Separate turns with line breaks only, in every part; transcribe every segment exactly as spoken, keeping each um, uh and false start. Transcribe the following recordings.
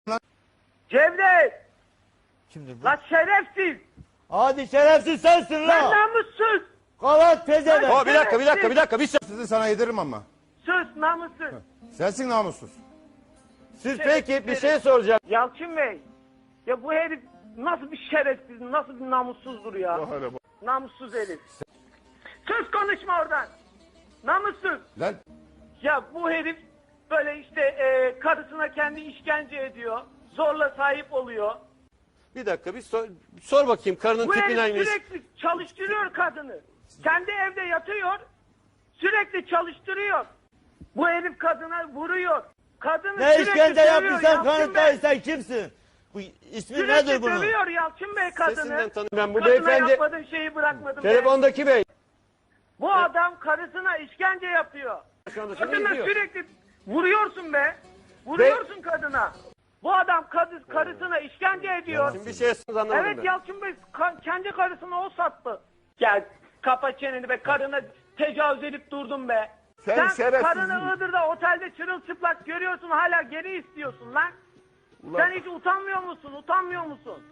Cevdet!
Kimdir bu?
La şerefsiz!
Hadi şerefsiz sensin
Lan
la.
namussuz!
Kavat pezevenk.
O bir dakika bir dakika bir dakika. Bir sizi sana yediririm ama.
Sus namussuz!
Sensin namussuz.
Siz peki bir şey soracağım.
Yalçın Bey! Ya bu herif nasıl bir şerefsiz, nasıl bir namussuzdur ya? Namussuz herif. Sus konuşma oradan! Namussuz!
Lan
Ya bu herif böyle işte e, karısına kendi işkence ediyor. Zorla sahip oluyor.
Bir dakika bir sor, sor bakayım karının
Bu
tipi
herif
neymiş?
sürekli çalıştırıyor kadını. Kendi evde yatıyor. Sürekli çalıştırıyor. Bu herif kadına vuruyor. Kadını
Ne
sürekli
işkence
dövüyor
yaptıysan
Yalçın
kanıtlayın,
Bey.
sen kimsin? Bu ismi
Sürekli
nedir bunun?
dövüyor Yalçın Bey kadını.
Sesinden tanıyorum. Ben bu
Kadına
beyefendi
yapmadığın şeyi bırakmadım. ben.
telefondaki bey.
Bu adam karısına işkence yapıyor.
Şu anda seni
Kadına
izliyor.
sürekli vuruyorsun be. Vuruyorsun kadına. Bu adam kadı, karısına işkence ediyor.
Şimdi bir şey anlamadım
Evet
ben.
Yalçın Bey ka- kendi karısını o sattı. Gel kapa çeneni be, karına tecavüz edip durdun be.
Sen
Sen
şerefsizsin.
karını Iğdır'da otelde çırılçıplak görüyorsun, hala geri istiyorsun lan. Sen hiç utanmıyor musun? Utanmıyor musun?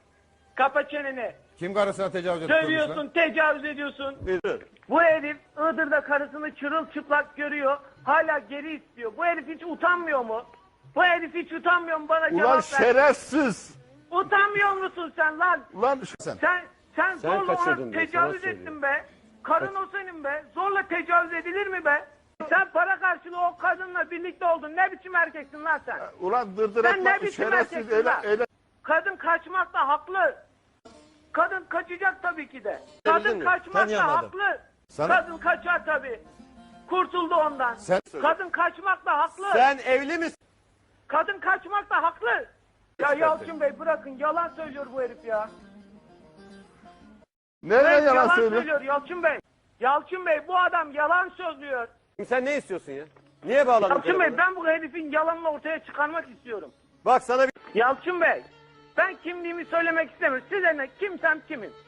Kapa çeneni.
kim karısına tecavüz ediyormuş lan?
Dövüyorsun, tecavüz ediyorsun.
Buyurun.
Bu herif Iğdır'da karısını çırılçıplak görüyor. Hala geri istiyor. Bu herif hiç utanmıyor mu? Bu herif hiç utanmıyor mu? Bana
Ulan
cevap ver.
şerefsiz.
Utanmıyor musun sen lan?
Ulan sen.
Sen sen,
Sen
zorla
kaçırdın
ona
diyor,
tecavüz
sana
ettin be. Karın o senin be. Zorla tecavüz edilir mi be? Sen para karşılığı o kadınla birlikte oldun. Ne biçim erkeksin lan sen?
Ulan dırdır
Sen ne
etme.
biçim
Şerefsiz.
erkeksin
Öyle,
lan?
öyle.
Kadın kaçmakta haklı. Kadın kaçacak tabii ki de.
Bildin
Kadın
mi?
kaçmakta
Tanıyamadım.
haklı.
Sana-
Kadın kaçar tabii. Kurtuldu ondan.
Sen-
Kadın kaçmakta haklı.
Sen evli misin?
Kadın kaçmakta haklı. Ya Yalçın Bey bırakın, yalan söylüyor bu herif ya.
Nereye
Evet,
yalan söylüyor?
söylüyor Yalçın Bey. Yalçın Bey bu adam yalan söylüyor.
Sen ne istiyorsun ya? Niye bağladın
Yalçın
telefonu?
Bey ben bu herifin yalanını ortaya çıkarmak istiyorum.
Bak sana bir...
Yalçın Bey ben kimliğimi söylemek istemiyorum. Size ne, kimsem kimim.